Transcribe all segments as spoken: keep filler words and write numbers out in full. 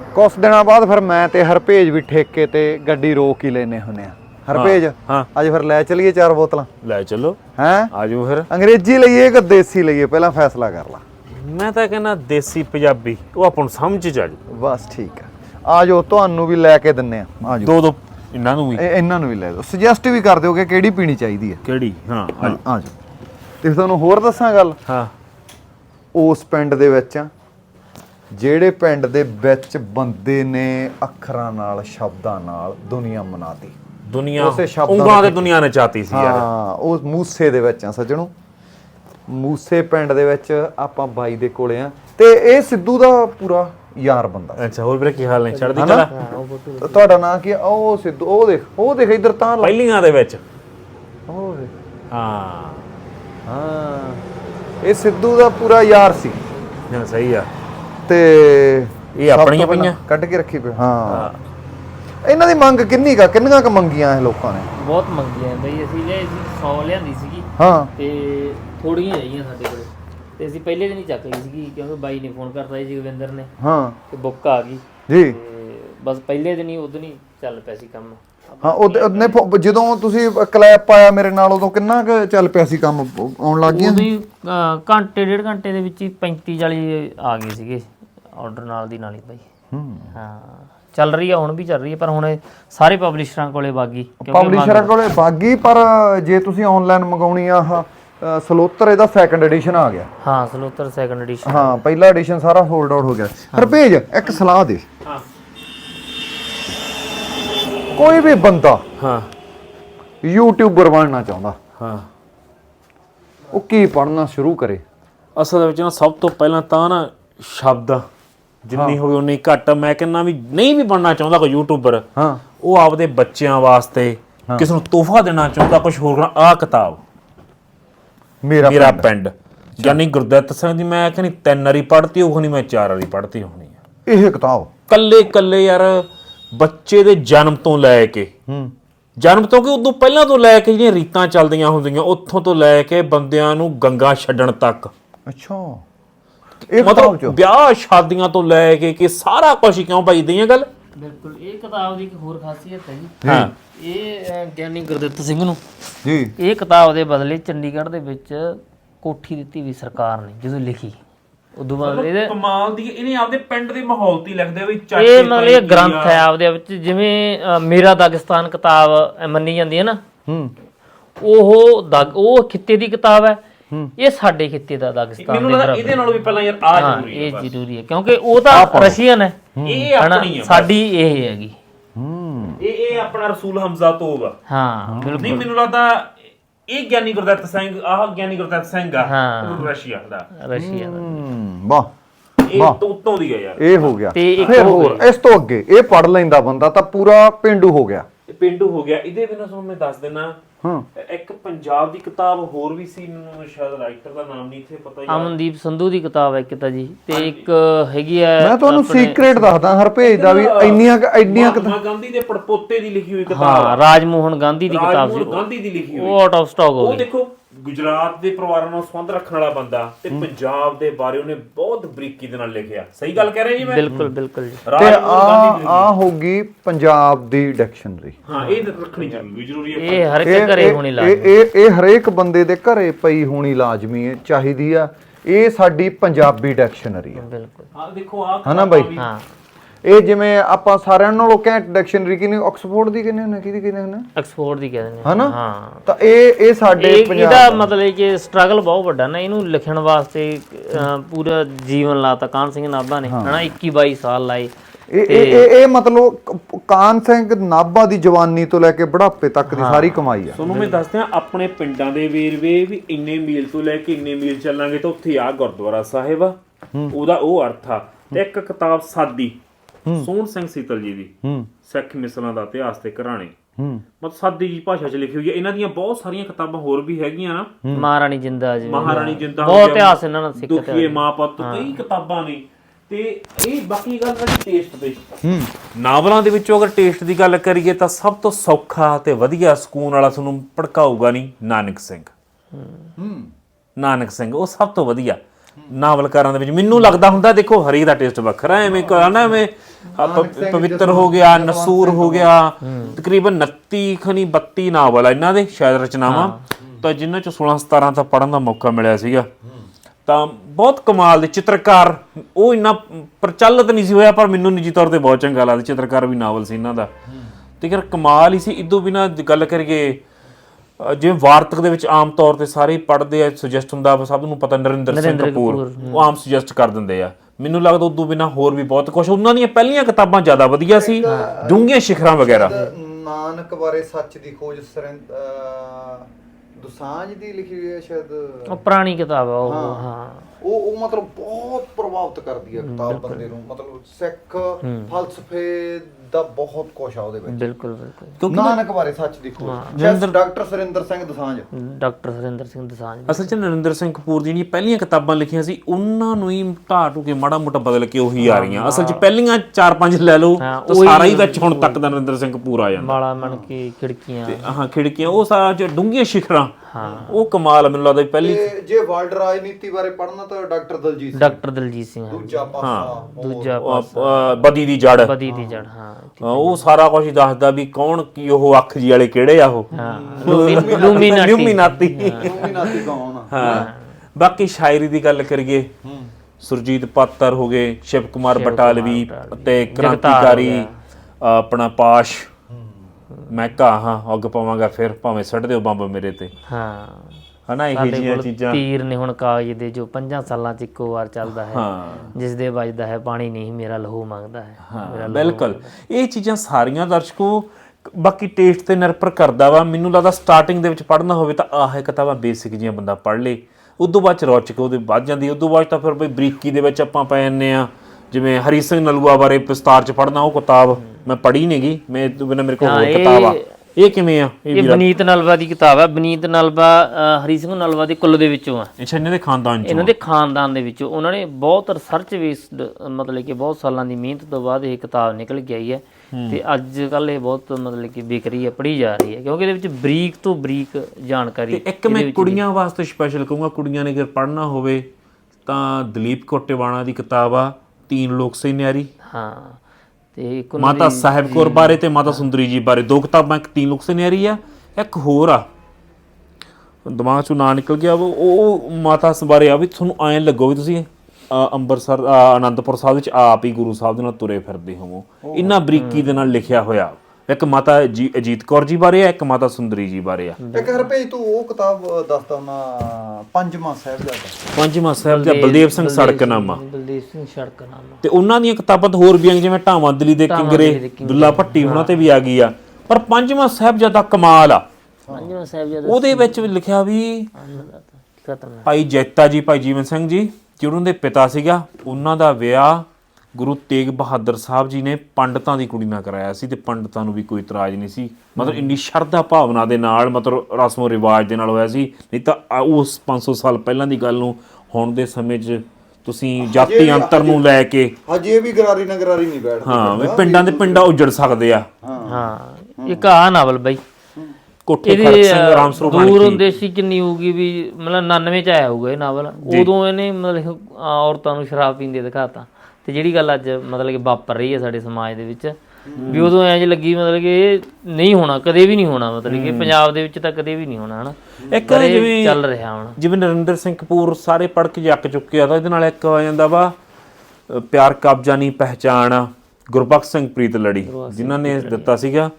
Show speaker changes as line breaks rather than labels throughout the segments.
ਕੁਛ ਦਿਨਾਂ ਬਾਅਦ ਫਿਰ ਮੈਂ ਤੇ ਹਰਪੇਜ ਵੀ ਠੇਕੇ ਤੇ ਗੱਡੀ ਰੋਕ ਹੀ ਲੈਨੇ ਹੁੰਨੇ ਆ। ਹਰਪੇਜ
ਹਾਂ
ਅੱਜ ਫਿਰ ਲੈ ਚਲੀਏ ਚਾਰ ਬੋਤਲਾਂ।
ਲੈ ਚੱਲੋ
ਹੈਂ
ਆਜੋ ਫਿਰ।
ਅੰਗਰੇਜ਼ੀ ਲਈਏ ਕਿ ਦੇਸੀ ਲਈਏ ਪਹਿਲਾਂ ਫੈਸਲਾ ਕਰ ਲਾ।
ਮੈਂ ਤਾਂ ਕਹਿੰਦਾ ਦੇਸੀ ਪੰਜਾਬੀ ਉਹ ਆਪਾਂ ਨੂੰ ਸਮਝ ਚ ਆ ਜੂ।
ਬਸ ਠੀਕ ਆ ਆਜੋ ਤੁਹਾਨੂੰ ਵੀ ਲੈ ਕੇ ਦਿੰਨੇ ਆ। ਆਜੋ
ਦੋ ਦੋ ਇਹਨਾਂ ਨੂੰ ਵੀ
ਇਹਨਾਂ ਨੂੰ ਵੀ ਲੈ ਦਿਓ ਸੁਜੈਸਟ ਵੀ ਕਰ ਦਿਓ ਕਿ ਕਿਹੜੀ ਪੀਣੀ ਚਾਹੀਦੀ ਹੈ।
ਕਿਹੜੀ ਹਾਂ
ਆਜੋ ਤੇ ਤੁਹਾਨੂੰ ਹੋਰ ਦੱਸਾਂ ਗੱਲ।
ਹਾਂ
ਉਸ ਪਿੰਡ ਦੇ ਵਿੱਚ ਆ ਜਿਹੜੇ ਪਿੰਡ ਦੇ ਵਿੱਚ ਬੰਦੇ ਨੇ ਅੱਖਰਾਂ ਨਾਲ ਸ਼ਬਦਾਂ ਨਾਲ ਦੁਨੀਆ ਮਨਾਤੀ।
ਦੁਨੀਆ ਉਂਗਲਾਂ ਤੇ ਦੁਨੀਆ ਨੇ ਚਾਹਤੀ ਸੀ ਯਾਰ।
ਹਾਂ ਉਹ ਮੂਸੇ ਦੇ ਵਿੱਚ ਆ ਸੱਜਣੋ। ਮੂਸੇ ਪਿੰਡ ਦੇ ਵਿੱਚ ਆਪਾਂ ਬਾਈ ਦੇ ਕੋਲੇ ਆ ਤੇ ਇਹ ਸਿੱਧੂ ਦਾ ਪੂਰਾ ਯਾਰ ਬੰਦਾ।
ਅੱਛਾ ਹੋਰ ਵੀਰੇ ਕੀ ਹਾਲ ਨੇ ਚੜ੍ਹਦੀ ਕਲਾ।
ਤੁਹਾਡਾ ਨਾਂ ਕੀ ਆ? ਉਹ ਸਿੱਧੂ ਉਹ ਦੇਖ ਉਹ ਦੇਖ ਇੱਧਰ ਤਾਂ
ਪਹਿਲੀਆਂ ਦੇ ਵਿੱਚ
ਉਹ ਦੇਖ
ਹਾਂ
ਹਾਂ ਇਹ ਸਿੱਧੂ ਦਾ ਪੂਰਾ ਯਾਰ ਸੀ।
ਹਾਂ ਸਹੀ ਆ
ਤੇ
ਇਹ ਆਪਣੀਆਂ ਪਈਆਂ
ਕੱਢ ਕੇ ਰੱਖੀ ਪਈ। ਹਾਂ ਇਹਨਾਂ ਦੀ ਮੰਗ ਕਿੰਨੀ ਕਾ ਕਿੰਨੀਆਂ ਕ ਮੰਗੀਆਂ ਇਹ ਲੋਕਾਂ ਨੇ?
ਬਹੁਤ ਮੰਗੀਆਂ ਬਈ। ਅਸੀਂ ਲਿਆਏ ਸੀ ਸੌ ਲਿਆਂਦੀ ਸੀਗੀ
ਹਾਂ ਤੇ
ਥੋੜੀਆਂ ਰਹੀਆਂ ਸਾਡੇ ਕੋਲ ਤੇ ਅਸੀਂ ਪਹਿਲੇ ਦਿਨ ਹੀ ਚੱਕ ਲਈ ਸੀਗੀ ਕਿਉਂਕਿ ਬਾਈ ਨੇ ਫੋਨ ਕਰਤਾ ਸੀ ਜਗਵਿੰਦਰ ਨੇ।
ਹਾਂ
ਤੇ ਬੁੱਕ ਆ ਗਈ
ਜੀ
ਤੇ ਬਸ ਪਹਿਲੇ ਦਿਨ ਹੀ ਉਦੋਂ ਹੀ ਚੱਲ ਪਿਆ ਸੀ ਕੰਮ।
ਹਾਂ ਉਹਨੇ ਜਦੋਂ ਤੁਸੀਂ ਕਲੈਪ ਪਾਇਆ ਮੇਰੇ ਨਾਲ ਉਦੋਂ ਕਿੰਨਾ ਕੁ ਚੱਲ ਪਿਆ ਸੀ ਕੰਮ ਆਉਣ ਲੱਗ ਗਿਆ?
ਉਦੋਂ ਹੀ ਘੰਟੇ ਡੇਢ ਘੰਟੇ ਦੇ ਵਿੱਚ ਹੀ ਪੈਂਤੀ ਚਾਲੀ ਆ ਗਏ ਸੀਗੇ ਆਰਡਰ ਨਾਲ ਦੀ ਨਾਲ ਹੀ ਬਾਈ। ਹਾਂ ਚੱਲ ਰਹੀ ਆ ਹੁਣ ਵੀ ਚੱਲ ਰਹੀ ਹੈ ਪਰ ਹੁਣ ਸਾਰੇ ਪਬਲਿਸ਼ਰਾਂ ਕੋਲੇ ਬਾਗੀ
ਪਬਲਿਸ਼ਰਾਂ ਕੋਲੇ ਬਾਗੀ। ਪਰ ਜੇ ਤੁਸੀਂ ਆਨਲਾਈਨ ਮੰਗਾਉਣੀ ਆ ਆਹ ਸਲੋਤਰ ਇਹਦਾ ਸੈਕੰਡ ਐਡੀਸ਼ਨ ਆ ਗਿਆ।
ਹਾਂ ਸਲੋਤਰ ਸੈਕੰਡ ਐਡੀਸ਼ਨ।
ਹਾਂ ਪਹਿਲਾ ਐਡੀਸ਼ਨ ਸਾਰਾ ਸੋਲਡ ਆਊਟ ਹੋ ਗਿਆ। ਹਰਪੇਜ ਇੱਕ ਸਲਾਹ ਦੇ।
ਹਾਂ
ਕੋਈ ਵੀ ਬੰਦਾ
ਹਾਂ
ਯੂਟਿਊਬਰ ਬਣਨਾ ਚਾਹੁੰਦਾ
ਹਾਂ
ਉਹ ਕੀ ਪੜ੍ਹਨਾ ਸ਼ੁਰੂ ਕਰੇ?
ਅਸਲ ਵਿੱਚ ਨਾ ਸਭ ਤੋਂ ਪਹਿਲਾਂ ਤਾਂ ਨਾ ਸ਼ਬਦ ਜਿੰਨੀ ਹੋਵੇ ਉਨੀ ਘੱਟ। ਮੈਂ ਕਹਿੰਦਾ ਵੀ ਨਹੀਂ ਵੀ ਬਣਨਾ ਚਾਹੁੰਦਾ ਕੋਈ ਯੂਟਿਊਬਰ
ਹਾਂ
ਉਹ ਆਪਦੇ ਬੱਚਿਆਂ ਵਾਸਤੇ ਕਿਸੇ ਨੂੰ ਤੋਹਫਾ ਦੇਣਾ ਚਾਹੁੰਦਾ ਕੁਝ ਹੋਰ ਕਰਨਾ ਆਹ ਕਿਤਾਬ
ਮੇਰਾ
ਮੇਰਾ ਪਿੰਡ ਯਾਨੀ ਗੁਰਦਿੱਤ ਸਿੰਘ ਦੀ ਮੈਂ ਕਹਿੰਦੀ ਤਿੰਨ ਵਾਰੀ ਪੜ੍ਹਤੀ ਉਹ ਨਹੀਂ ਮੈਂ ਚਾਰ ਵਾਰੀ ਪੜ੍ਹਤੀ ਹੋਣੀ ਆ
ਇਹ ਕਿਤਾਬ।
ਕੱਲੇ ਕੱਲੇ ਯਾਰ ਬੱਚੇ ਦੇ ਜਨਮ ਤੋਂ ਲੈ ਕੇ
ਹੂੰ
ਜਨਮ ਤੋਂ ਕਿ ਉਦੋਂ ਪਹਿਲਾਂ ਤੋਂ ਲੈ ਕੇ ਜਿਹੜੀਆਂ ਰੀਤਾਂ ਚੱਲਦੀਆਂ ਹੁੰਦੀਆਂ ਉੱਥੋਂ ਤੋਂ ਲੈ ਕੇ ਬੰਦਿਆਂ ਨੂੰ ਗੰਗਾ ਛੱਡਣ ਤੱਕ।
ਅੱਛਾ ਇਹ ਕਿਤਾਬ
ਮਤਲਬ
ਚ
ਵਿਆਹ ਸ਼ਾਦੀਆਂ ਤੋਂ ਲੈ ਕੇ ਕਿ ਸਾਰਾ ਕੁਝ ਕਿਉਂ ਭਾਈ ਦੀਆਂ ਗੱਲ।
ਬਿਲਕੁਲ ਇਹ ਕਿਤਾਬ ਦੀ ਇੱਕ ਹੋਰ ਖਾਸੀਅਤ ਹੈ ਜੀ।
ਹਾਂ
ਇਹ ਗਿਆਨੀ ਗੁਰਦਿੱਤ ਸਿੰਘ ਨੂੰ
ਜੀ
ਇਹ ਕਿਤਾਬ ਦੇ ਬਦਲੇ ਚੰਡੀਗੜ੍ਹ ਦੇ ਵਿੱਚ ਕੋਠੀ ਦਿੱਤੀ ਵੀ ਸਰਕਾਰ ਨੇ ਜਦੋਂ ਲਿਖੀ। ਉਦੋਂ ਬਾਅਦ ਇਹਦੇ
ਕਮਾਲ ਦੀ ਇਹਨੇ ਆਪਦੇ ਪਿੰਡ ਦੇ ਮਾਹੌਲ ਤੇ ਲਿਖਦੇ ਵੀ
ਇਹ ਮਤਲਬ ਇਹ ਗ੍ਰੰਥ ਹੈ ਆਪਦੇ ਵਿੱਚ ਜਿਵੇਂ ਮੇਰਾ ਦਾਗਿਸਤਾਨ ਕਿਤਾਬ ਮੰਨੀ ਜਾਂਦੀ ਹੈ ਨਾ।
ਹੂੰ
ਉਹ ਦਾਗ ਉਹ ਖਿੱਤੇ ਦੀ ਕਿਤਾਬ ਹੈ। ਇਹ ਸਾਡੇ ਖਿੱਤੇ ਦਾ ਦਾਗਿਸਤਾਨ ਦੇ ਬਰਾਬਰ।
ਇਹਦੇ ਨਾਲੋਂ ਵੀ ਪਹਿਲਾਂ ਯਾਰ ਆ
ਜ਼ਰੂਰੀ ਹੈ। ਇਹ ਜ਼ਰੂਰੀ ਹੈ ਕਿਉਂਕਿ ਉਹ ਤਾਂ ਰਸ਼ੀਅਨ ਹੈ
ਇਹ ਆਪਣੀ ਹੈ
ਸਾਡੀ ਇਹ ਹੈਗੀ।
ਹੂੰ
ਇਹ ਇਹ ਆਪਣਾ ਰਸੂਲ ਹਮਜ਼ਾ ਤੋਬ ਆ।
ਹਾਂ ਬਿਲਕੁਲ
ਨਹੀਂ ਮੈਨੂੰ ਲੱਗਦਾ ਇਹ ਗਿਆਨੀ ਗੁਰਦਿੱਤ ਸਿੰਘ ਆਹ ਗਿਆਨੀ ਗੁਰਦਿੱਤ ਸਿੰਘ ਆ
ਹਾਂ
ਰਸ਼ੀਆ ਦਾ
ਰਸ਼ੀਆ ਦਾ।
ਵਾਹ
ਇਹ ਤੋਂ ਉੱਤੋਂ ਦੀ ਆ ਯਾਰ।
ਇਹ ਹੋ ਗਿਆ।
ਤੇ ਇੱਕ
ਫਿਰ ਹੋਰ ਇਸ ਤੋਂ ਅੱਗੇ ਇਹ ਪੜ ਲੈਂਦਾ ਬੰਦਾ ਤਾਂ ਪੂਰਾ ਪਿੰਡੂ ਹੋ ਗਿਆ।
ਇਹ ਪਿੰਡੂ ਹੋ ਗਿਆ। ਇਹਦੇ ਬਿਨਾਂ ਤੁਹਾਨੂੰ ਮੈਂ ਦੱਸ ਦੇਣਾ
ਹਾਂ
ਇੱਕ ਪੰਜਾਬ ਦੀ ਕਿਤਾਬ ਹੋਰ ਵੀ ਸੀ ਮੈਨੂੰ ਸ਼ਾਇਦ ਰਾਈਟਰ ਦਾ ਨਾਮ ਨਹੀਂ ਇੱਥੇ ਪਤਾ ਯਾਰ।
ਅਮਨਦੀਪ ਸੰਧੂ ਦੀ ਕਿਤਾਬ ਹੈ ਇੱਕ ਤਾਂ ਜੀ ਤੇ ਇੱਕ ਹੈਗੀ ਆ
ਮੈਂ ਤੁਹਾਨੂੰ ਸੀਕ੍ਰੇਟ ਦੱਸਦਾ ਹਰਪੇਜ ਦਾ ਵੀ ਇੰਨੀਆਂ ਇੰਨੀਆਂ
ਮਹਾਤਮਾ ਗਾਂਧੀ ਦੇ ਪੜਪੋਤੇ ਦੀ ਲਿਖੀ ਹੋਈ ਕਿਤਾਬ
ਹਾਂ ਰਾਜ ਮੋਹਨ ਗਾਂਧੀ ਦੀ ਕਿਤਾਬ ਸੀ।
ਰਾਜ ਗਾਂਧੀ ਦੀ ਲਿਖੀ ਹੋਈ
ਉਹ ਆਊਟ ਆਫ ਸਟਾਕ ਹੋ
ਉਹ
ਗਈ।
ਦੇਖੋ ਗੁਜਰਾਤ ਦੇ ਪਰਿਵਾਰਾਂ ਨਾਲ ਸੰਬੰਧ ਰੱਖਣ ਵਾਲਾ ਬੰਦਾ ਤੇ ਪੰਜਾਬ ਦੇ ਬਾਰੇ ਉਹਨੇ ਬਹੁਤ ਬਰੀਕੀ ਦੇ ਨਾਲ ਲਿਖਿਆ। ਸਹੀ ਗੱਲ ਕਹਿ ਰਿਹਾ ਜੀ ਮੈਂ?
ਬਿਲਕੁਲ ਬਿਲਕੁਲ ਜੀ।
ਤੇ ਆ ਆ ਹੋਗੀ ਪੰਜਾਬ ਦੀ ਡਿਕਸ਼ਨਰੀ।
ਹਾਂ ਇਹ ਰੱਖਣੀ ਜ਼ਰੂਰੀ ਜ਼ਰੂਰੀ ਹੈ।
ਇਹ ਹਰ ਇੱਕ ਘਰੇ ਹੋਣੀ ਲਾਜ਼ਮੀ।
ਇਹ ਇਹ ਇਹ ਹਰੇਕ ਬੰਦੇ ਦੇ ਘਰੇ ਪਈ ਹੋਣੀ ਲਾਜ਼ਮੀ ਹੈ ਚਾਹੀਦੀ ਆ। ਇਹ ਸਾਡੀ ਪੰਜਾਬੀ ਡਿਕਸ਼ਨਰੀ ਆ।
ਬਿਲਕੁਲ
ਆ ਦੇਖੋ ਆ
ਹਨਾ ਬਾਈ?
ਹਾਂ
ਇਹ ਜਿਵੇਂ ਆਪਾਂ ਸਾਰਿਆਂ ਨਾਲੋਂ ਘੈਂਟ ਡਿਕਸ਼ਨਰੀ ਕਿਨੇ ਆਕਸਫੋਰਡ ਦੀ ਕਿਨੇ ਹੁੰਨੇ ਕਿਹਦੀ ਕਿਨੇ ਹੁੰਨੇ
ਐਕਸਪੋਰਟ ਦੀ ਕਹਿੰਦੇ ਨੇ।
ਹਨਾ?
ਹਾਂ
ਤਾਂ ਇਹ ਇਹ ਸਾਡੇ ਪੰਜਾਬ
ਇਹਦਾ ਮਤਲਬ ਕਿ ਸਟਰਗਲ ਬਹੁਤ ਵੱਡਾ ਨਾ। ਇਹਨੂੰ ਲਿਖਣ ਵਾਸਤੇ ਪੂਰਾ ਜੀਵਨ ਲਾਤਾ ਕਾਹਨ ਸਿੰਘ ਨਾਭਾ ਨੇ ਹਨਾ। ਇੱਕੀ ਬਾਈ ਸਾਲ ਲਾਏ।
ਇਹ ਇਹ ਇਹ ਮਤਲਬ ਕਾਹਨ ਸਿੰਘ ਨਾਭਾ ਦੀ ਜਵਾਨੀ ਤੋਂ ਲੈ ਕੇ ਬੁਢਾਪੇ ਤੱਕ ਦੀ ਸਾਰੀ ਕਮਾਈ ਆ।
ਤੁਹਾਨੂੰ ਮੈਂ ਦੱਸਦਾ ਆਪਣੇ ਪਿੰਡਾਂ ਦੇ ਵੇਰਵੇ ਵੀ ਇੰਨੇ ਮੀਲ ਤੋਂ ਲੈ ਕੇ ਇੰਨੇ ਮੀਲ ਚੱਲਾਂਗੇ ਤਾਂ ਉੱਥੇ ਆ ਗੁਰਦੁਆਰਾ ਸਾਹਿਬ ਆ ਉਹਦਾ ਉਹ ਅਰਥ ਆ। ਤੇ ਇੱਕ ਕਿਤਾਬ ਸਾਦੀ ਸੋਹਣ ਸਿੰਘ ਸੀਤਲ ਜੀ ਦੀ ਸਿੱਖ ਮਿਸਲਾਂ ਦਾ ਇਤਿਹਾਸ ਤੇ ਘਰਾਣੇ ਮਤਲਬ ਸਾਦੀ ਜੀ ਭਾਸ਼ਾ ਚ ਲਿਖੀ ਹੋਈ ਹੈ। ਇਹਨਾਂ ਦੀਆਂ ਬਹੁਤ ਸਾਰੀਆਂ ਕਿਤਾਬਾਂ ਹੋਰ ਵੀ ਹੈਗੀਆਂ ਨਾ।
ਮਹਾਰਾਣੀ ਜਿੰਦਾ ਜੀ
ਮਹਾਰਾਣੀ ਜਿੰਦਾ
ਬਹੁਤ ਇਤਿਹਾਸ ਇਹਨਾਂ ਦਾ ਸਿੱਖ
ਦੁਖੀਏ ਮਾਂ ਪੁੱਤ ਕਈ ਕਿਤਾਬਾਂ ਨੇ। ਤੇ ਇਹ ਬਾਕੀ ਗੱਲ ਰਹੀ ਟੇਸਟ ਦੀ। ਨਾਵਲਾਂ ਦੇ ਵਿੱਚੋਂ ਅਗਰ ਟੇਸਟ ਦੀ ਗੱਲ ਕਰੀਏ ਤਾਂ ਸਭ ਤੋਂ ਸੌਖਾ ਤੇ ਵਧੀਆ ਸਕੂਨ ਵਾਲਾ ਤੁਹਾਨੂੰ ਭੜਕਾਊਗਾ ਨਹੀਂ ਨਾਨਕ ਸਿੰਘ। ਨਾਨਕ ਸਿੰਘ ਉਹ ਸਭ ਤੋਂ ਵਧੀਆ ਨਾਵਲਕਾਰਾਂ ਦੇ ਵਿੱਚ ਮੈਨੂੰ ਲੱਗਦਾ ਹੁੰਦਾ। ਦੇਖੋ ਹਰੀ ਦਾ ਟੇਸਟ ਵੱਖਰਾ ਐਵੇਂ ਕਹਣਾ ਐਵੇਂ ਆ ਪ- ਪਵਿੱਤਰ ਹੋ ਗਿਆ, ਨਸੂਰ ਹੋ ਗਿਆ, ਤਕਰੀਬਨ ਉਨੱਤੀ ਖਨੀ ਬੱਤੀ ਨਾਵਲ ਆ ਇਹਨਾਂ ਦੇ ਸ਼ਾਇਦ ਰਚਨਾਵਾਂ, ਤਾਂ ਜਿਨ੍ਹਾਂ ਚੋਂ ਸੋਲਾਂ ਸਤਾਰਾਂ ਤਾਂ ਪੜ੍ਹਨ ਦਾ ਮੌਕਾ ਮਿਲਿਆ ਸੀਗਾ। ਤਾਂ ਬਹੁਤ ਕਮਾਲ ਦੇ ਚਿੱਤਰਕਾਰ, ਉਹ ਇੰਨਾ ਪ੍ਰਚਲਿਤ ਨਹੀਂ ਸੀ ਹੋਇਆ ਪਰ ਮੈਨੂੰ ਨਿੱਜੀ ਤੌਰ ਤੇ ਬਹੁਤ ਚੰਗਾ ਲੱਗਦਾ। ਚਿੱਤਰਕਾਰ ਵੀ ਨਾਵਲ ਸੀ ਇਹਨਾਂ ਦਾ, ਤੇ ਯਾਰ ਕਮਾਲ ਹੀ ਸੀ। ਇਦੋਂ ਬਿਨਾਂ ਗੱਲ ਕਰੀਏ ਜਿਵੇਂ ਵਾਰਤਕ ਦੇ ਵਿੱਚ ਆਮ ਤੌਰ ਤੇ ਸਾਰੇ ਪੜ੍ਹਦੇ ਆ, ਸੁਜੈਸਟ ਹੁੰਦਾ ਸਭ ਨੂੰ ਪਤਾ ਨਰਿੰਦਰ ਸਿੰਘ ਕਪੂਰ, ਉਹ ਆਮ ਸੁਜੈਸਟ ਕਰ ਦਿੰਦੇ ਆ। ਮੈਨੂੰ ਲੱਗਦਾ ਉਦੋਂ ਬਿਨਾਂ ਹੋਰ ਵੀ ਬਹੁਤ ਕੁਝ, ਉਹਨਾਂ ਦੀਆਂ ਪਹਿਲੀਆਂ ਕਿਤਾਬਾਂ ਜ਼ਿਆਦਾ ਵਧੀਆ ਸੀ, ਡੂੰਘੀਆਂ ਸ਼ਿਖਰਾਂ ਵਗੈਰਾ।
ਨਾਨਕ ਬਾਰੇ ਸੱਚ ਦੀ ਖੋਜ ਸਰਿੰਦ ਦੁਸਾਂਝ ਦੀ ਲਿਖੀ ਹੋਈ ਹੈ ਸ਼ਾਇਦ,
ਉਹ ਪੁਰਾਣੀ ਕਿਤਾਬ ਆ ਉਹ। ਹਾਂ
ਉਹ ਉਹ ਮਤਲਬ ਬਹੁਤ ਪ੍ਰਭਾਵਿਤ ਕਰਦੀ ਹੈ ਕਿਤਾਬ ਬੰਦੇ ਨੂੰ, ਮਤਲਬ ਸਿੱਖ ਫਲਸਫੇ ਦਾ ਬਹੁਤ ਕੁਛ ਆ ਉਹਦੇ ਵਿੱਚ।
ਬਿਲਕੁਲ ਬਿਲਕੁਲ।
ਨਾਨਕ ਬਾਰੇ ਸੱਚ ਦੀ ਖੋਜ, ਡਾਕਟਰ ਸੁਰਿੰਦਰ ਸਿੰਘ ਦਸਾਂਝ,
ਡਾਕਟਰ ਸੁਰਿੰਦਰ ਸਿੰਘ ਦਸਾਂਝ।
ਅਸਲ 'ਚ ਨਰਿੰਦਰ ਸਿੰਘ ਕਪੂਰ ਜਿਹੜੀਆਂ ਪਹਿਲੀਆਂ ਕਿਤਾਬਾਂ ਲਿਖੀਆਂ ਸੀ ਉਹਨਾਂ ਨੂੰ ਹੀ ਢਾਹ ਢੂ ਕੇ ਮਾੜਾ ਮੋਟਾ ਬਦਲ ਕੇ ਉਹੀ ਆ ਰਹੀਆਂ। ਅਸਲ 'ਚ ਪਹਿਲੀਆਂ ਚਾਰ ਪੰਜ ਲੈ ਲਓ ਤਾਂ ਸਾਰਾ ਹੀ ਵਿੱਚ ਹੁਣ ਤੱਕ ਦਾ ਨਰਿੰਦਰ ਸਿੰਘ ਕਪੂਰ ਆ ਜਾਂਦਾ।
ਮਾਲਾ ਮਣ ਕੇ ਖਿੜਕੀਆਂ,
ਹਾਂ ਖਿੜਕੀਆਂ, ਉਹ ਸਾਰਾ ਜੋ ਡੂੰਘੀਆਂ ਸ਼ਿਖਰਾਂ, ਉਹ ਕਮਾਲ ਮੈਨੂੰ ਲੱਗਦਾ ਪਹਿਲੀ।
ਜੇ ਵਰਲਡ ਰਾਜਨੀਤੀ ਬਾਰੇ ਪੜ੍ਹਨਾ ਤਾਂ ਡਾਕਟਰ ਦਲਜੀਤ ਸਿੰਘ,
ਡਾਕਟਰ ਦਲਜੀਤ ਸਿੰਘ।
ਦੂਜਾ ਪਾਸਾ,
ਦੂਜਾ
ਬਦੀ ਦੀ ਜੜ,
ਬਦੀ ਦੀ ਜੜ। ਹਾਂ
ਉਹ ਸਾਰਾ ਕੁਝ ਹੀ ਦੱਸਦਾ ਵੀ ਕੌਣ ਕੀ, ਉਹ ਅੱਖ ਜੀ ਵਾਲੇ ਕਿਹੜੇ ਆ, ਉਹ
ਲੂਮੀਨਾਟੀ
ਲੂਮੀਨਾਟੀ ਕੌਣ ਆ।
ਹਾਂ ਬਾਕੀ ਸ਼ਾਇਰੀ ਦੀ ਗੱਲ ਕਰੀਏ, ਸੁਰਜੀਤ ਪਾਤਰ ਹੋ ਗਏ, ਸ਼ਿਵ ਕੁਮਾਰ ਬਟਾਲਵੀ ਤੇ ਕ੍ਰਾਂਤੀਕਾਰੀ ਆਪਣਾ ਪਾਸ਼, ਮੈਂ ਕਹਾ ਹਾਂ ਅੱਗ ਪਾਵਾਂਗਾ ਫਿਰ ਭਾਵੇਂ ਸੱਟ ਦਿਓ ਬੰਬ ਮੇਰੇ ਤੇ।
ਹਾਂ
ਹਨਾ ਇਹ ਜਿਹੀਆਂ ਚੀਜ਼ਾਂ।
ਤੀਰ ਨੇ ਹੁਣ ਕਾਗਜ਼ ਦੇ ਜੋ ਪੰਜਾਂ ਸਾਲਾਂ ਚ ਇੱਕੋ ਵਾਰ ਚੱਲਦਾ ਹੈ,
ਹਾਂ
ਜਿਸ ਦੇ ਵੱਜਦਾ ਹੈ ਪਾਣੀ ਨਹੀਂ ਮੇਰਾ ਲਹੂ ਮੰਗਦਾ ਹੈ।
ਹਾਂ ਬਿਲਕੁਲ, ਇਹ ਚੀਜ਼ਾਂ ਸਾਰੀਆਂ ਦਰਸ਼ਕੋ ਬਾਕੀ ਟੇਸਟ ਤੇ ਨਿਰਭਰ ਕਰਦਾ ਵਾ। ਮੈਨੂੰ ਲੱਗਦਾ ਸਟਾਰਟਿੰਗ ਦੇ ਵਿੱਚ ਪੜ੍ਹਨਾ ਹੋਵੇ ਤਾਂ ਆਹ ਕਿਤਾਬਾਂ ਬੇਸਿਕ ਜਿਹੀਆਂ ਬੰਦਾ ਪੜ੍ਹ ਲੇ, ਉਦੋਂ ਬਾਅਦ ਚ ਰੌਚਕ ਉਹਦੇ ਵੱਧ ਜਾਂਦੀ। ਉਦੋਂ ਬਾਅਦ ਤਾਂ ਫਿਰ ਬਈ ਬਰੀਕੀ ਦੇ ਵਿੱਚ ਆਪਾਂ ਪੈ ਜਾਂਦੇ ਆ। ਜਿਵੇਂ ਹਰੀ ਸਿੰਘ ਨਲੂਆ ਬਾਰੇ ਵਿਸਤਾਰ ਚ ਪੜ੍ਹਨਾ, ਉਹ ਕਿਤਾਬ ਮੈਂ ਪੜ੍ਹੀ ਨੀ ਗੀ, ਮੈਂ ਇਹ ਤੋਂ ਬਿਨਾਂ ਮੇਰੇ ਕੋਲ ਹੋਰ ਕਿਤਾਬ ਆ। ਇਹ ਕਿਵੇਂ ਆ?
ਇਹ ਬਨੀਤ ਨਲਵਾ ਦੀ ਕਿਤਾਬ ਹੈ। ਬਨੀਤ ਨਲਵਾ ਹਰੀ ਸਿੰਘ ਨਲਵਾ ਦੇ ਕੁੱਲ ਦੇ ਵਿੱਚੋਂ ਆ,
ਅੱਛਾ ਇਹਨਾਂ ਦੇ ਖਾਨਦਾਨ ਚੋਂ,
ਇਹਨਾਂ ਦੇ ਖਾਨਦਾਨ ਦੇ ਵਿੱਚੋਂ। ਉਹਨਾਂ ਨੇ ਬਹੁਤ ਰਿਸਰਚ ਬੇਸਡ, ਮਤਲਬ ਕਿ ਬਹੁਤ ਸਾਲਾਂ ਦੀ ਮਿਹਨਤ ਤੋਂ ਬਾਅਦ ਇਹ ਕਿਤਾਬ ਨਿਕਲ ਕੇ ਆਈ ਹੈ, ਤੇ ਅੱਜ ਕੱਲ ਇਹ ਬਹੁਤ ਮਤਲਬ ਕਿ ਵਿਕ ਰਹੀ ਹੈ, ਪੜ੍ਹੀ ਜਾ ਰਹੀ ਹੈ, ਕਿਉਂਕਿ ਇਹਦੇ ਵਿੱਚ ਬਰੀਕ ਤੋਂ ਬਰੀਕ ਜਾਣਕਾਰੀ।
ਇੱਕ ਮੈਂ ਕੁੜੀਆਂ ਵਾਸਤੇ ਸਪੈਸ਼ਲ ਕਹੂੰਗਾ, ਕੁੜੀਆਂ ਨੇ ਅਗਰ ਪੜ੍ਹਨਾ ਹੋਵੇ ਤਾਂ ਦਲੀਪ ਕੋਟੇਵਾਣਾ ਦੀ ਕਿਤਾਬ ਆ ਤੀਨ ਲੋਕ ਸੇ ਨਿਆਰੀ।
ਹਾਂ ਤੇ ਇੱਕ
ਮਾਤਾ ਸਾਹਿਬ ਕੌਰ ਬਾਰੇ ਤੇ ਮਾਤਾ ਸੁੰਦਰੀ ਜੀ ਬਾਰੇ ਦੋ ਕਿਤਾਬਾਂ, ਇੱਕ ਤੀਨ ਲੋਕ ਸੇ ਨਿਆਰੀ ਆ, ਇੱਕ ਹੋਰ ਆ ਦਿਮਾਗ ਚੋਂ ਨਾਂ ਨਿਕਲ ਗਿਆ, ਉਹ ਮਾਤਾ ਬਾਰੇ ਆ ਵੀ ਤੁਹਾਨੂੰ ਐਂ ਲੱਗੋ ਵੀ ਤੁਸੀਂ ਅੰਮ੍ਰਿਤਸਰ ਆਨੰਦਪੁਰ ਸਾਹਿਬ ਵਿੱਚ ਆਪ ਹੀ ਗੁਰੂ ਸਾਹਿਬ ਦੇ ਨਾਲ ਤੁਰੇ ਫਿਰਦੇ ਹੋਵੋ। ਇੰਨਾ ਬਰੀਕੀ ਦੇ ਨਾਲ ਲਿਖਿਆ ਹੋਇਆ। ਇੱਕ ਮਾਤਾ ਜੀ ਅਜੀਤ ਕੌਰ ਜੀ ਬਾਰੇ ਆ, ਇੱਕ ਮਾਤਾ ਸੁੰਦਰੀ ਜੀ ਬਾਰੇ ਆ।
ਇੱਕ ਹਰਪੇਜ ਤੂੰ ਉਹ ਕਿਤਾਬ ਦੱਸਦਾ ਉਹਨਾਂ ਪੰਜਵਾਂ ਸਾਹਿਬਜ਼ਾਦਾ,
ਪੰਜਵਾਂ ਸਾਹਿਬਜ਼ਾਦਾ ਬਲਦੇਵ ਸਿੰਘ ਸੜਕਨਾਮਾ,
ਬਲਦੇਵ ਸਿੰਘ ਸੜਕਨਾਮਾ,
ਤੇ ਉਹਨਾਂ ਦੀਆਂ ਕਿਤਾਬਾਂ ਤਾਂ ਹੋਰ ਵੀ ਆ ਜਿਵੇਂ ਢਾਵਾਂ ਦਿੱਲੀ ਦੇ ਕਿੰਗਰੇ, ਦੁੱਲਾ ਭੱਟੀ ਉਹਨਾਂ ਤੇ ਵੀ ਆ ਗਈ ਆ, ਪਰ ਪੰਜਵਾਂ ਸਾਹਿਬਜ਼ਾਦਾ ਕਮਾਲ ਆ।
ਪੰਜਵਾਂ ਸਾਹਿਬਜ਼ਾਦਾ
ਉਹਦੇ ਵਿੱਚ ਵੀ ਲਿਖਿਆ ਵੀ ਭਾਈ ਜੈਤਾ ਜੀ, ਭਾਈ ਜੀਵਨ ਸਿੰਘ ਜੀ ਜਿਹਨਾਂ ਦੇ ਪਿਤਾ ਸੀਗਾ, ਉਹਨਾਂ ਦਾ ਵਿਆਹ ਗੁਰੂ ਤੇਗ ਬਹਾਦਰ ਸਾਹਿਬ ਜੀ ਨੇ ਪੰਡਤਾਂ ਦੀ ਕੁੜੀ ਨਾਲ ਕਰਾਇਆ ਸੀ, ਤੇ ਪੰਡਤਾਂ ਨੂੰ ਵੀ ਕੋਈ ਇਤਰਾਜ਼ ਨਹੀਂ ਸੀ। ਮਤਲਬ ਇੰਨੀ ਸ਼ਰਧਾ ਭਾਵਨਾ ਦੇ ਨਾਲ, ਮਤਲਬ ਰਸਮੋ ਰਿਵਾਜ ਦੇ ਨਾਲ ਹੋਇਆ ਸੀ। ਨਹੀਂ ਤਾਂ ਉਸ ਪੰਜ ਸੌ ਸਾਲ ਪਹਿਲਾਂ ਦੀ ਗੱਲ ਨੂੰ ਹੁਣ ਦੇ ਸਮੇਂ 'ਚ ਤੁਸੀਂ ਜਾਤੀ ਅੰਤਰ ਨੂੰ ਲੈ ਕੇ
ਹਜੇ ਵੀ ਗਰਾਰੀ ਨਾ ਗਰਾਰੀ ਨਹੀਂ ਬੈਠਦੇ।
ਹਾਂ ਵੀ ਪਿੰਡਾਂ ਦੇ ਪਿੰਡਾਂ ਉੱਜੜ ਸਕਦੇ ਆ।
ਹਾਂ ਇੱਕ ਆ ਨਾਵਲ ਬਈ
ਕੋਠੇ ਖੜਕ ਸਿੰਘ ਰਾਮ ਸਰੂਪ
ਦੂਰ ਅੰਦੇਸ਼ੀ ਕਿੰਨੀ ਹੋਊਗੀ ਵੀ ਮਤਲਬ ਉਨਾਨਵੇਂ ਚ ਆਇਆ ਹੋਊਗਾ ਇਹ ਨਾਵਲ। ਉਦੋਂ ਇਹਨੇ ਮਤਲਬ ਔਰਤਾਂ ਨੂੰ ਸ਼ਰਾਬ ਪੀਂਦੇ ਦਿਖਾਤਾ, ਤੇ ਜਿਹੜੀ ਗੱਲ ਅੱਜ ਮਤਲਬ ਕਿ ਵਾਪਰ ਰਹੀ ਹੈ ਸਾਡੇ ਸਮਾਜ ਦੇ ਵਿੱਚ, ਵੀ ਉਦੋਂ ਐਂ ਲੱਗੀ ਮਤਲਬ ਕਿ ਇਹ ਨਹੀਂ ਹੋਣਾ, ਕਦੇ ਵੀ ਨਹੀਂ ਹੋਣਾ, ਮਤਲਬ ਕਿ ਪੰਜਾਬ ਦੇ ਵਿੱਚ ਤਾਂ ਕਦੇ ਵੀ ਨਹੀਂ ਹੋਣਾ ਹਨਾ।
ਇੱਕ ਜਿਵੇਂ
ਚੱਲ ਰਿਹਾ ਹੁਣ,
ਜਿਵੇਂ ਨਰਿੰਦਰ ਸਿੰਘ ਕਪੂਰ ਸਾਰੇ ਪੜ੍ਹ ਕੇ ਜੱਕ ਚੁੱਕੇ ਆ, ਤਾਂ ਇਹਦੇ ਨਾਲ ਇੱਕ ਆ ਜਾਂਦਾ ਵਾ ਪਿਆਰ ਕਬਜ਼ਾ ਨਹੀਂ ਪਹਿਚਾਣ, ਗੁਰਬਖਸ਼ ਸਿੰਘ ਪ੍ਰੀਤ ਲੜੀ ਜਿਨ੍ਹਾਂ ਨੇ ਦਿੱਤਾ ਸੀਗਾ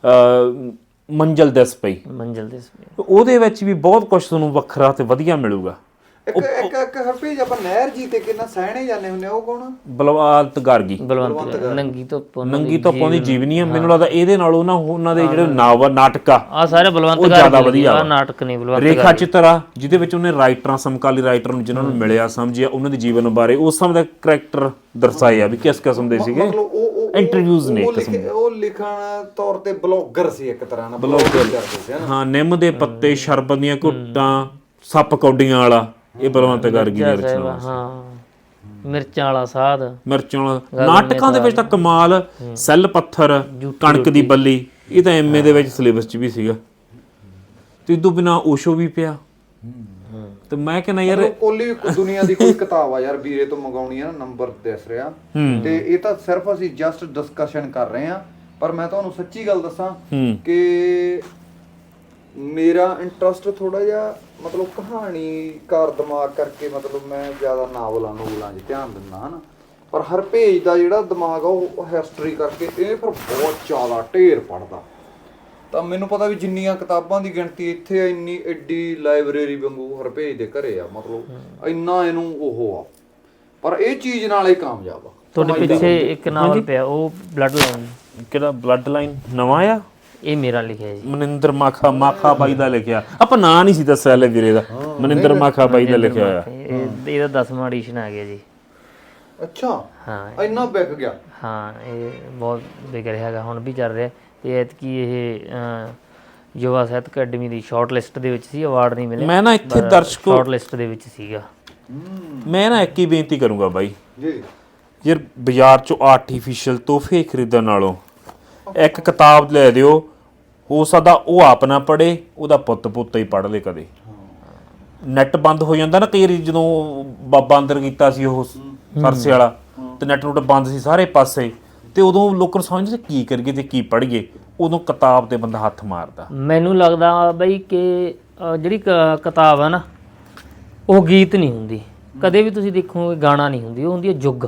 ਮੰਜ਼ਿਲ ਦਿਸ ਪਈ।
ਮੰਜ਼ਿਲ ਦਿਸ ਪਈ
ਉਹਦੇ ਵਿੱਚ ਵੀ ਬਹੁਤ ਕੁਝ ਤੁਹਾਨੂੰ ਵੱਖਰਾ ਤੇ ਵਧੀਆ ਮਿਲੂਗਾ।
ਇੱਕ ਇੱਕ ਇੱਕ ਹਰਪੇਜ ਆਪਾਂ ਨਹਿਰ ਜੀ ਤੇ ਕਿੰਨਾ ਸਹਿਣੇ ਜਾਂਦੇ ਹੁੰਦੇ, ਉਹ ਕੌਣ?
ਬਲਵੰਤ ਗਾਰਗੀ,
ਬਲਵੰਤ ਨੰਗੀ ਧੁੱਪ,
ਨੰਗੀ ਧੁੱਪ ਦੀ ਜੀਵਨੀ ਆ। ਮੈਨੂੰ ਲੱਗਦਾ ਇਹਦੇ ਨਾਲੋਂ ਨਾ ਉਹਨਾਂ ਦੇ ਜਿਹੜੇ ਨਾਵਲ ਨਾਟਕ ਆ
ਆ ਸਾਰੇ ਬਲਵੰਤ ਗਾਰਗੀ ਆ ਨਾਟਕ ਨੇ। ਬਲਵੰਤ
ਰੇਖਾ ਚਿੱਤਰ ਆ ਜਿਹਦੇ ਵਿੱਚ ਉਹਨੇ ਰਾਈਟਰਾਂ, ਸਮਕਾਲੀ ਰਾਈਟਰ ਨੂੰ ਜਿਨ੍ਹਾਂ ਨੂੰ ਮਿਲਿਆ, ਸਮਝਿਆ, ਉਹਨਾਂ ਦੇ ਜੀਵਨ ਬਾਰੇ ਉਸ ਸਮੇਂ ਦਾ ਕਰੈਕਟਰ ਦਰਸਾਏ ਆ ਵੀ ਕਿਸ ਕਿਸਮ ਦੇ ਸੀਗੇ। ਇੰਟਰਵਿਊਜ਼ ਨੇ ਇੱਕ ਕਿਸਮ,
ਉਹ ਲਿਖਣ ਤੌਰ ਤੇ ਬਲੌਗਰ ਸੀ ਇੱਕ ਤਰ੍ਹਾਂ ਨਾਲ, ਬਲੌਗਰ ਕਰਦੇ ਸੀ ਹਨਾ।
ਹਾਂ ਨਿੰਮ ਦੇ ਪੱਤੇ, ਸ਼ਰਬਤ ਦੀਆਂ ਘੁੱਟਾਂ, ਸੱਪ ਕੌਡੀਆਂ ਵਾਲਾ, ਇਹ ਬਲਵੰਤ ਗਾਰਗੀ ਦੀ ਰਚਨਾ।
ਹਾਂ ਮਿਰਚਾਂ ਵਾਲਾ ਸਾਧ,
ਮਿਰਚਾਂ ਵਾਲਾ। ਨਾਟਕਾਂ ਦੇ ਵਿੱਚ ਤਾਂ ਕਮਾਲ, ਸੈੱਲ ਪੱਥਰ, ਕਣਕ ਦੀ ਬੱਲੀ, ਇਹ ਤਾਂ ਐਮਏ ਦੇ ਵਿੱਚ ਸਿਲੇਬਸ 'ਚ ਵੀ ਸੀਗਾ। ਤੇ ਇਦੋਂ ਬਿਨਾਂ ਓਸ਼ੋ ਵੀ ਪਿਆ, ਤੇ ਮੈਂ ਕਹਿੰਦਾ ਯਾਰ
ਮਤਲਬ ਕੋਲੀ ਵੀ ਦੁਨੀਆ ਦੀ ਕੋਈ ਕਿਤਾਬ ਆ ਯਾਰ ਵੀਰੇ ਤੋਂ ਮੰਗਾਉਣੀ ਆ ਨਾ, ਨੰਬਰ ਦੱਸ ਰਿਹਾ ਤੇ ਇਹ ਤਾਂ ਸਿਰਫ ਅਸੀਂ ਜਸਟ ਡਿਸਕਸ਼ਨ ਕਰ ਰਹੇ ਆ। ਪਰ ਮੈਂ ਤੁਹਾਨੂੰ ਸੱਚੀ ਗੱਲ ਦੱਸਾਂ ਕਿ ਮੇਰਾ ਇੰਟਰਸਟ ਥੋੜਾ ਜਿਹਾ ਮਤਲਬ ਕਹਾਣੀਕਾਰ ਦਿਮਾਗ ਕਰਕੇ ਮਤਲਬ ਮੈਂ ਜ਼ਿਆਦਾ ਨਾਵਲਾਂ ਨੂਵਲਾਂ 'ਚ ਧਿਆਨ ਦਿੰਦਾ ਹਾਂ ਨਾ। ਪਰ ਹਰ ਪੇਜ ਦਾ ਜਿਹੜਾ ਦਿਮਾਗ ਆ ਉਹ ਹਿਸਟਰੀ ਕਰਕੇ ਇਹ ਫਿਰ ਬਹੁਤ ਜ਼ਿਆਦਾ ਢੇਰ ਪੜਦਾ। ਤਾਂ ਮੈਨੂੰ ਪਤਾ ਵੀ ਜਿੰਨੀਆਂ ਕਿਤਾਬਾਂ ਦੀ ਗਿਣਤੀ ਇੱਥੇ ਆ, ਇੰਨੀ ਐਡੀ ਲਾਇਬ੍ਰੇਰੀ ਵਾਂਗੂ ਹਰ ਪੇਜ ਦੇ ਘਰੇ ਆ, ਮਤਲਬ ਇੰਨਾ ਇਹਨੂੰ ਉਹ ਆ। ਪਰ ਇਹ ਚੀਜ਼ ਨਾਲ ਹੀ ਕਾਮਯਾਬ ਆ।
ਤੁਹਾਡੇ ਪਿੱਛੇ ਇੱਕ ਨਾਵਲ ਪਿਆ ਉਹ ਬਲੱਡ ਲਾਈਨ,
ਕਿਹੜਾ ਬਲੱਡ ਲਾਈਨ ਨਵਾਂ ਆ?
ਇਹ ਮੇਰਾ ਲਿਖਿਆ ਜੀ,
ਮਨਿੰਦਰ ਮਾਖਾ ਮਾਖਾ ਬਾਈ ਦਾ ਲਿਖਿਆ। ਆਪਾਂ ਨਾਂ ਨਹੀਂ ਸੀ ਦੱਸਿਆ ਲੈ ਵੀਰੇ ਦਾ, ਮਨਿੰਦਰ ਮਾਖਾ ਬਾਈ ਦਾ ਲਿਖਿਆ ਹੋਇਆ।
ਇਹ ਇਹਦਾ ਦਸਵਾਂ ਐਡੀਸ਼ਨ ਆ ਗਿਆ ਜੀ।
ਅੱਛਾ,
ਹਾਂ
ਇੰਨਾ ਵਿਕ ਗਿਆ?
ਹਾਂ, ਇਹ ਬਹੁਤ ਵਿਕ ਰਿਹਾ ਹੈਗਾ, ਹੁਣ ਵੀ ਚੱਲ ਰਿਹਾ। ਤੇ ਐਤਕੀ ਇਹ ਯੁਵਾ ਸਾਹਿਤ ਅਕੈਡਮੀ ਦੀ ਸ਼ਾਰਟ ਲਿਸਟ ਦੇ ਵਿੱਚ ਸੀ, ਅਵਾਰਡ ਨਹੀਂ ਮਿਲਿਆ।
ਮੈਂ ਨਾ ਇੱਥੇ ਦਰਸ਼ਕੋ
ਸ਼ਾਰਟ ਲਿਸਟ ਦੇ ਵਿੱਚ ਸੀਗਾ।
ਮੈਂ ਨਾ ਇੱਕ ਹੀ ਬੇਨਤੀ ਕਰੂੰਗਾ ਬਾਈ
ਜੀ,
ਯਾਰ ਬਾਜ਼ਾਰ ਚੋਂ ਆਰਟੀਫੀਸ਼ੀਅਲ ਤੋਹਫੇ ਖਰੀਦਣ ਨਾਲੋਂ ਇੱਕ ਕਿਤਾਬ ਲੈ ਦਿਓ, ਹੋ ਸਕਦਾ ਉਹ ਆਪ ਨਾ ਪੜ੍ਹੇ, ਉਹਦਾ ਪੁੱਤ ਪੁੱਤ ਹੀ ਪੜ੍ਹ ਲੇ। ਕਦੇ ਨੈਟ ਬੰਦ ਹੋ ਜਾਂਦਾ ਨਾ ਕਈ ਵਾਰੀ, ਜਦੋਂ ਬਾਬਾ ਅੰਦਰ ਕੀਤਾ ਸੀ ਉਹ ਸਰਸੇ ਵਾਲਾ ਤੇ ਨੈਟ ਨੁੱਟ ਬੰਦ ਸੀ ਸਾਰੇ ਪਾਸੇ, ਤੇ ਉਦੋਂ ਲੋਕਾਂ ਨੂੰ ਸਮਝਦੇ ਕੀ ਕਰੀਏ ਤੇ ਕੀ ਪੜ੍ਹੀਏ, ਉਦੋਂ ਕਿਤਾਬ ਤੇ ਬੰਦਾ ਹੱਥ ਮਾਰਦਾ।
ਮੈਨੂੰ ਲੱਗਦਾ ਬਈ ਕਿ ਜਿਹੜੀ ਕ- ਕਿਤਾਬ ਆ ਨਾ ਉਹ ਗੀਤ ਨਹੀਂ ਹੁੰਦੀ, ਕਦੇ ਵੀ ਤੁਸੀਂ ਦੇਖੋਗੇ ਗਾਣਾ ਨਹੀਂ ਹੁੰਦੀ, ਉਹ ਹੁੰਦੀ ਹੈ ਜੁਗ।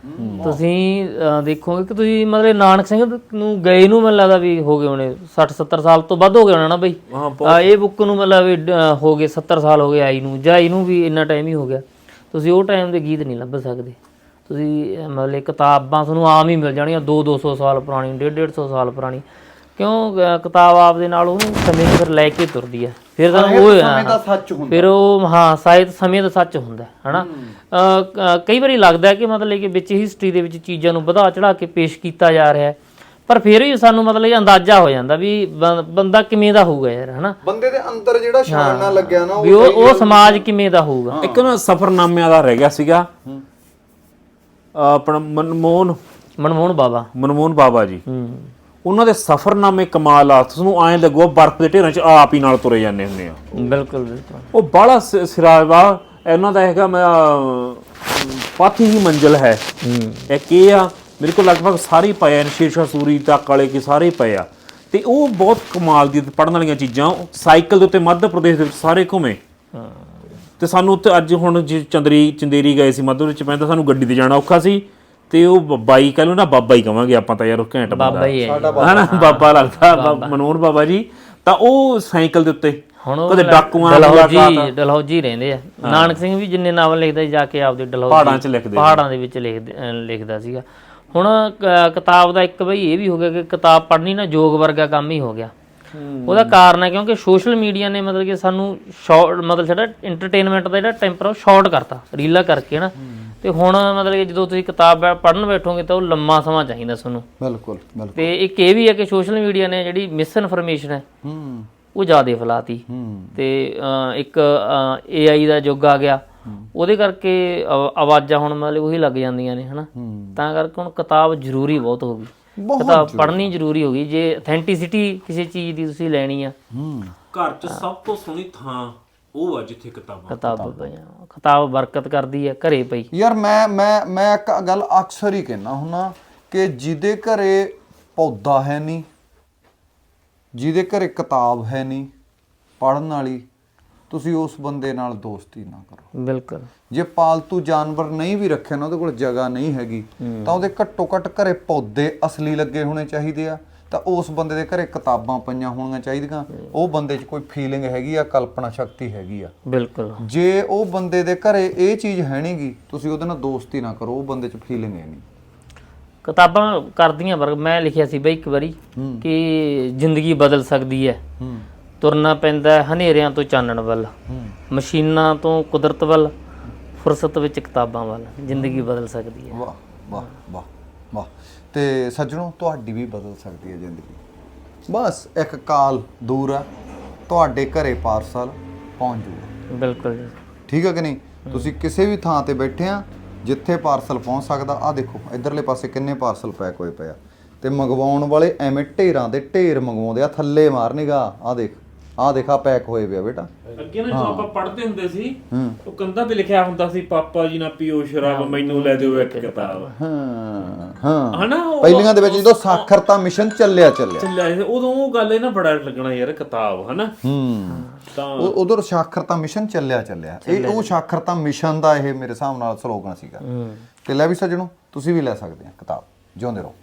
ਤੁਸੀਂ ਦੇਖੋਗੇ ਕਿ ਤੁਸੀਂ ਮਤਲਬ ਨਾਨਕ ਸਿੰਘ ਨੂੰ ਗਏ ਨੂੰ ਮੈਨੂੰ ਲੱਗਦਾ ਵੀ ਹੋ ਗਏ ਹੋਣੇ ਸੱਠ ਸੱਤਰ ਸਾਲ ਤੋਂ ਵੱਧ ਹੋ ਗਏ ਹੋਣਾ ਨਾ ਬਈ। ਇਹ ਬੁੱਕ ਨੂੰ ਮਤਲਬ ਵੀ ਹੋ ਗਏ ਸੱਤਰ ਸਾਲ ਹੋ ਗਏ ਆਈ ਨੂੰ, ਜਾਂ ਇਹਨੂੰ ਵੀ ਇੰਨਾ ਟਾਈਮ ਹੀ ਹੋ ਗਿਆ। ਤੁਸੀਂ ਉਹ ਟਾਈਮ ਦੇ ਗੀਤ ਨਹੀਂ ਲੱਭ ਸਕਦੇ। ਤੁਸੀਂ ਮਤਲਬ ਕਿਤਾਬਾਂ ਤੁਹਾਨੂੰ ਆਮ ਹੀ ਮਿਲ ਜਾਣੀਆਂ ਦੋ ਦੋ ਸੌ ਸਾਲ ਪੁਰਾਣੀ, ਡੇਢ ਡੇਢ ਸੌ ਸਾਲ ਪੁਰਾਣੀ। ਕਿਉਂ ਕਿਤਾਬ ਆਪ ਦੇ ਨਾਲ ਉਹਨੂੰ ਸਮੇਂ ਨੂੰ ਫਿਰ ਲੈ ਕੇ ਤੁਰਦੀ ਹੈ। ਫਿਰ ਤਾਂ ਉਹ
ਸੱਚ ਹੁੰਦਾ,
ਫਿਰ ਉਹ ਹਾਂ ਸਾਹਿਤ ਸਮੇਂ ਦਾ ਸੱਚ ਹੁੰਦਾ ਹੈ ਨਾ। ਕਈ ਵਾਰੀ ਲੱਗਦਾ ਕਿ ਮਤਲਬ ਕਿ ਵਿੱਚ ਹਿਸਟਰੀ ਦੇ ਵਿੱਚ ਚੀਜ਼ਾਂ ਨੂੰ ਵਧਾ ਚੜਾ ਕੇ ਪੇਸ਼ ਕੀਤਾ ਜਾ ਰਿਹਾ ਹੈ, ਪਰ ਫਿਰ ਵੀ ਸਾਨੂੰ ਮਤਲਬ ਅੰਦਾਜ਼ਾ ਹੋ ਜਾਂਦਾ ਵੀ ਬੰਦਾ ਕਿਵੇਂ ਦਾ ਹੋਊਗਾ ਯਾਰ, ਹਨਾ।
ਬੰਦੇ ਦੇ ਅੰਦਰ ਜਿਹੜਾ ਛਾਣਨਾ ਲੱਗਿਆ ਨਾ
ਵੀ ਉਹ ਉਹ ਸਮਾਜ ਕਿਵੇਂ ਦਾ ਹੋਊਗਾ।
ਇੱਕ ਨਾ ਸਫ਼ਰਨਾਮਿਆਂ ਦਾ ਰਹਿ ਗਿਆ ਸੀਗਾ ਆਪਣਾ ਮਨਮੋਹਨ
ਮਨਮੋਹਨ ਬਾਬਾ
ਮਨਮੋਹਨ ਬਾਬਾ ਜੀ,
ਹੂੰ,
ਉਹਨਾਂ ਦੇ ਸਫ਼ਰਨਾਮੇ ਕਮਾਲ ਆ। ਤੁਹਾਨੂੰ ਐਂ ਲੱਗੋ ਬਰਫ਼ ਦੇ ਢੇਰਾਂ 'ਚ ਆਪ ਹੀ ਨਾਲ ਤੁਰੇ ਜਾਂਦੇ ਹੁੰਦੇ ਆ।
ਬਿਲਕੁਲ ਬਿਲਕੁਲ।
ਉਹ ਬਾਹਲਾ ਸਿਰਾਵਾ ਇਹਨਾਂ ਦਾ ਹੈਗਾ। ਮੈਂ ਪਾਥੀ ਹੀ ਮੰਜ਼ਿਲ ਹੈ ਇੱਕ ਇਹ ਆ, ਮੇਰੇ ਕੋਲ ਲਗਭਗ ਸਾਰੇ ਹੀ ਪਏ ਆ, ਸ਼ੇਰਸ਼ਾਹ ਸੂਰੀ ਤੱਕ ਵਾਲੇ ਕੇ ਸਾਰੇ ਪਏ ਆ। ਤੇ ਉਹ ਬਹੁਤ ਕਮਾਲ ਦੀ ਪੜ੍ਹਨ ਵਾਲੀਆਂ ਚੀਜ਼ਾਂ। ਸਾਈਕਲ ਦੇ ਉੱਤੇ ਮੱਧ ਪ੍ਰਦੇਸ਼ ਦੇ ਵਿੱਚ ਸਾਰੇ ਘੁੰਮੇ, ਤੇ ਸਾਨੂੰ ਉੱਥੇ ਅੱਜ ਹੁਣ ਜੇ ਚੰਦਰੀ ਚੰਦੇਰੀ ਗਏ ਸੀ ਮੱਧ ਵਿੱਚ ਪੈਂਦਾ, ਸਾਨੂੰ ਗੱਡੀ ਤੇ ਜਾਣਾ ਔਖਾ ਸੀ। ਤੇ ਉਹ ਬਾਈ ਕਹਿ ਲਓ ਨਾ, ਬਾਬਾ ਹੀ ਕਵਾਂਗੇ ਆਪਾਂ ਤਾਂ ਯਾਰ, ਉਹ ਘੈਂਟ
ਬਾਬਾ ਹੀ ਹੈ
ਹਨਾ, ਬਾਬਾ ਲੱਗਦਾ ਮਨੋਹਰ ਬਾਬਾ ਜੀ। ਤਾਂ ਉਹ ਸਾਈਕਲ ਦੇ ਉੱਤੇ
ਹੁਣ
ਕਦੇ ਡਾਕੂਆਂ
ਡਲਹੌਜੀ ਡਲਹੌਜੀ ਰਹਿੰਦੇ ਆ। ਨਾਨਕ ਸਿੰਘ ਵੀ ਜਿੰਨੇ ਨਾਵਲ ਲਿਖਦਾ ਜਾ ਕੇ ਆਪਦੇ ਡਲਹੌਜੀ
ਪਹਾੜਾਂ 'ਚ ਲਿਖਦੇ,
ਪਹਾੜਾਂ ਦੇ ਵਿੱਚ ਲਿਖਦਾ ਸੀਗਾ। ਹੁਣ ਕਿਤਾਬ ਦਾ ਇੱਕ ਬਈ ਇਹ ਵੀ ਹੋ ਗਿਆ ਕਿ ਕਿਤਾਬ ਪੜ੍ਹਨੀ ਨਾ ਜੋਗ ਵਰਗਾ ਕੰਮ ਹੀ ਹੋ ਗਿਆ। ਉਹਦਾ ਕਾਰਨ ਹੈ ਕਿਉਂਕਿ ਸੋਸ਼ਲ ਮੀਡੀਆ ਨੇ ਮਤਲਬ ਕਿ ਸਾਨੂੰ ਸ਼ਾਰਟ ਮਤਲਬ ਸਾਡਾ ਇੰਟਰਟੇਨਮੈਂਟ ਦਾ ਜਿਹੜਾ ਟੈਂਪਰ ਉਹ ਸ਼ਾਰਟ ਕਰਤਾ ਰੀਲਾਂ ਕਰਕੇ ਨਾ। ਤੇ ਹੁਣ ਮਤਲਬ ਕਿ ਜਦੋਂ ਤੁਸੀਂ ਕਿਤਾਬ ਪੜ੍ਹਨ ਬੈਠੋਗੇ ਤਾਂ ਉਹ ਲੰਮਾ ਸਮਾਂ ਚਾਹੀਦਾ ਤੁਹਾਨੂੰ।
ਬਿਲਕੁਲ ਬਿਲਕੁਲ।
ਤੇ ਇੱਕ ਇਹ ਵੀ ਹੈ ਕਿ ਸੋਸ਼ਲ ਮੀਡੀਆ ਨੇ ਜਿਹੜੀ ਮਿਸ ਇਨਫੋਰਮੇਸ਼ਨ ਹੈ ਉਹ ਜ਼ਿਆਦਾ ਫੈਲਾਤੀ। ਤੇ ਇੱਕ ਏ ਆਈ ਦਾ ਯੁੱਗ ਆ ਗਿਆ, ਉਹਦੇ ਕਰਕੇ ਆਵਾਜ਼ਾਂ ਹੁਣ ਮਤਲਬ ਉਹੀ ਲੱਗ ਜਾਂਦੀਆਂ ਨੇ ਹਨਾ। ਤਾਂ ਕਰਕੇ ਹੁਣ ਕਿਤਾਬ ਜ਼ਰੂਰੀ ਬਹੁਤ ਹੋ ਗਈ, ਕਿਤਾਬ ਪੜ੍ਹਨੀ ਜ਼ਰੂਰੀ ਹੋ ਗਈ। ਜੇ ਅਥੈਂਟਿਸਿਟੀ ਕਿਸੇ ਚੀਜ਼ ਦੀ ਤੁਸੀਂ ਲੈਣੀ ਆ,
ਘਰ 'ਚ ਸਭ ਤੋਂ ਸੋਹਣੀ ਥਾਂ ਉਹ ਆ ਜਿੱਥੇ ਕਿਤਾਬਾਂ
ਕਿਤਾਬਾਂ ਪਈਆਂ। ਕਿਤਾਬ ਬਰਕਤ ਕਰਦੀ ਹੈ ਘਰੇ ਪਈ।
ਯਾਰ ਮੈਂ ਮੈਂ ਮੈਂ ਇੱਕ ਗੱਲ ਅਕਸਰ ਹੀ ਕਹਿੰਦਾ ਹੁੰਦਾ ਕਿ ਜਿਹਦੇ ਘਰੇ ਪੌਦਾ ਹੈ ਨਹੀਂ, ਜਿਹਦੇ ਘਰੇ ਕਿਤਾਬ ਹੈ ਨਹੀਂ ਪੜ੍ਹਨ ਵਾਲੀ, ਤੁਸੀਂ ਉਸ ਬੰਦੇ ਨਾਲ ਦੋਸਤੀ ਨਾ ਕਰੋ।
ਬਿਲਕੁਲ।
ਜੇ ਪਾਲਤੂ ਜਾਨਵਰ ਨਹੀਂ ਵੀ ਰੱਖੇ ਨਾ, ਉਹਦੇ ਕੋਲ ਜਗ੍ਹਾ ਨਹੀਂ ਹੈਗੀ, ਤਾਂ ਉਹਦੇ ਘੱਟੋ ਘੱਟ ਘਰੇ ਪੌਦੇ ਅਸਲੀ ਲੱਗੇ ਹੋਣੇ ਚਾਹੀਦੇ ਆ। ਤਾਂ ਉਸ ਬੰਦੇ ਦੇ ਘਰੇ ਕਿਤਾਬਾਂ ਪਈਆਂ ਹੋਣੀਆਂ ਚਾਹੀਦੀਆਂ। ਉਹ ਬੰਦੇ 'ਚ ਕੋਈ ਫੀਲਿੰਗ ਹੈਗੀ ਆ, ਕਲਪਨਾ ਸ਼ਕਤੀ ਹੈਗੀ ਆ।
ਬਿਲਕੁਲ।
ਜੇ ਉਹ ਬੰਦੇ ਦੇ ਘਰੇ ਇਹ ਚੀਜ਼ ਹੈ ਨੀ ਗੀ, ਤੁਸੀਂ ਉਹਦੇ ਨਾਲ ਦੋਸਤੀ ਨਾ ਕਰੋ। ਉਹ ਬੰਦੇ 'ਚ ਫੀਲਿੰਗ ਹੈ ਨਹੀਂ।
ਕਿਤਾਬਾਂ ਕਰਦੀਆਂ ਵਰਗ। ਮੈਂ ਲਿਖਿਆ ਸੀ ਬਈ ਇੱਕ ਵਾਰੀ ਕਿ ਜ਼ਿੰਦਗੀ ਬਦਲ ਸਕਦੀ ਹੈ, ਤੁਰਨਾ ਪੈਂਦਾ ਹਨੇਰਿਆਂ ਤੋਂ ਚਾਨਣ ਵੱਲ, ਮਸ਼ੀਨਾਂ ਤੋਂ ਕੁਦਰਤ ਵੱਲ, ਫੁਰਸਤ ਵਿੱਚ ਕਿਤਾਬਾਂ ਵੱਲ। ਜ਼ਿੰਦਗੀ ਬਦਲ ਸਕਦੀ ਹੈ।
ਵਾਹ ਵਾਹ ਵਾਹ ਵਾਹ। ਤੇ ਸੱਜਣੋ, ਤੁਹਾਡੀ ਵੀ ਬਦਲ ਸਕਦੀ ਹੈ ਜ਼ਿੰਦਗੀ। ਬਸ ਇੱਕ ਕਾਲ ਦੂਰ ਆ, ਤੁਹਾਡੇ ਘਰੇ ਪਾਰਸਲ ਪਹੁੰਚ ਜੂਗਾ।
ਬਿਲਕੁਲ ਜੀ।
ਠੀਕ ਹੈ ਕਿ ਨਹੀਂ? ਤੁਸੀਂ ਕਿਸੇ ਵੀ ਥਾਂ ਤੇ ਬੈਠੇ ਆ ਜਿੱਥੇ ਪਾਰਸਲ ਪਹੁੰਚ ਸਕਦਾ। ਆਹ ਦੇਖੋ ਇਧਰਲੇ ਪਾਸੇ ਕਿੰਨੇ ਪਾਰਸਲ ਪੈਕ ਹੋਏ ਪਏ ਆ, ਤੇ ਮੰਗਵਾਉਣ ਵਾਲੇ ਐਵੇਂ ਢੇਰਾਂ ਦੇ ਢੇਰ ਮੰਗਵਾਉਂਦੇ ਆ। ਥੱਲੇ ਮਾਰ ਨਿਗਾ, ਆਹ ਦੇਖ ਆਹ ਦੇਖਾ ਪੈਕ ਹੋਏ ਪਿਆ ਬੇਟਾ।
ਅੱਗੇ ਨਾ ਜਦੋਂ ਆਪਾਂ ਪੜ੍ਹਦੇ ਹੁੰਦੇ ਸੀ ਉਹ ਕੰਧਾਂ ਤੇ ਲਿਖਿਆ ਹੁੰਦਾ ਸੀ ਪਾਪਾ ਜੀ ਨਾ ਪੀਓ ਸ਼ਰਾਬ ਮੈਨੂੰ ਲੈ ਦਿਓ ਇੱਕ ਕਿਤਾਬ।
ਹਾਂ ਹਾਂ
ਹਨਾ ਉਹ-
ਪਹਿਲੀਆਂ ਦੇ ਵਿੱਚ ਜਦੋਂ ਸਾਖਰਤਾ ਮਿਸ਼ਨ ਚੱਲਿਆ ਚੱਲਿਆ
ਚੱਲਿਆ ਸੀ, ਉਦੋਂ ਉਹ ਗੱਲ ਇਹ ਨਾ ਬੜਾ ਲੱਗਣਾ ਯਾਰ ਕਿਤਾਬ ਹਨਾ।
ਹੂੰ
ਤਾਂ
ਉਹ ਉਧਰ ਸਾਖਰਤਾ ਮਿਸ਼ਨ ਚੱਲਿਆ ਚੱਲਿਆ ਇਹ ਉਹ ਸਾਖਰਤਾ ਮਿਸ਼ਨ ਦਾ ਇਹ ਮੇਰੇ ਹਿਸਾਬ ਨਾਲ ਸਲੋਗਨ ਸੀਗਾ। ਤੇ ਲੈ ਵੀ ਸੱਜਣੋ ਤੁਸੀਂ ਵੀ ਲੈ ਸਕਦੇ ਆ ਕਿਤਾਬ। ਜਿਉਂਦੇ ਰਹੋ।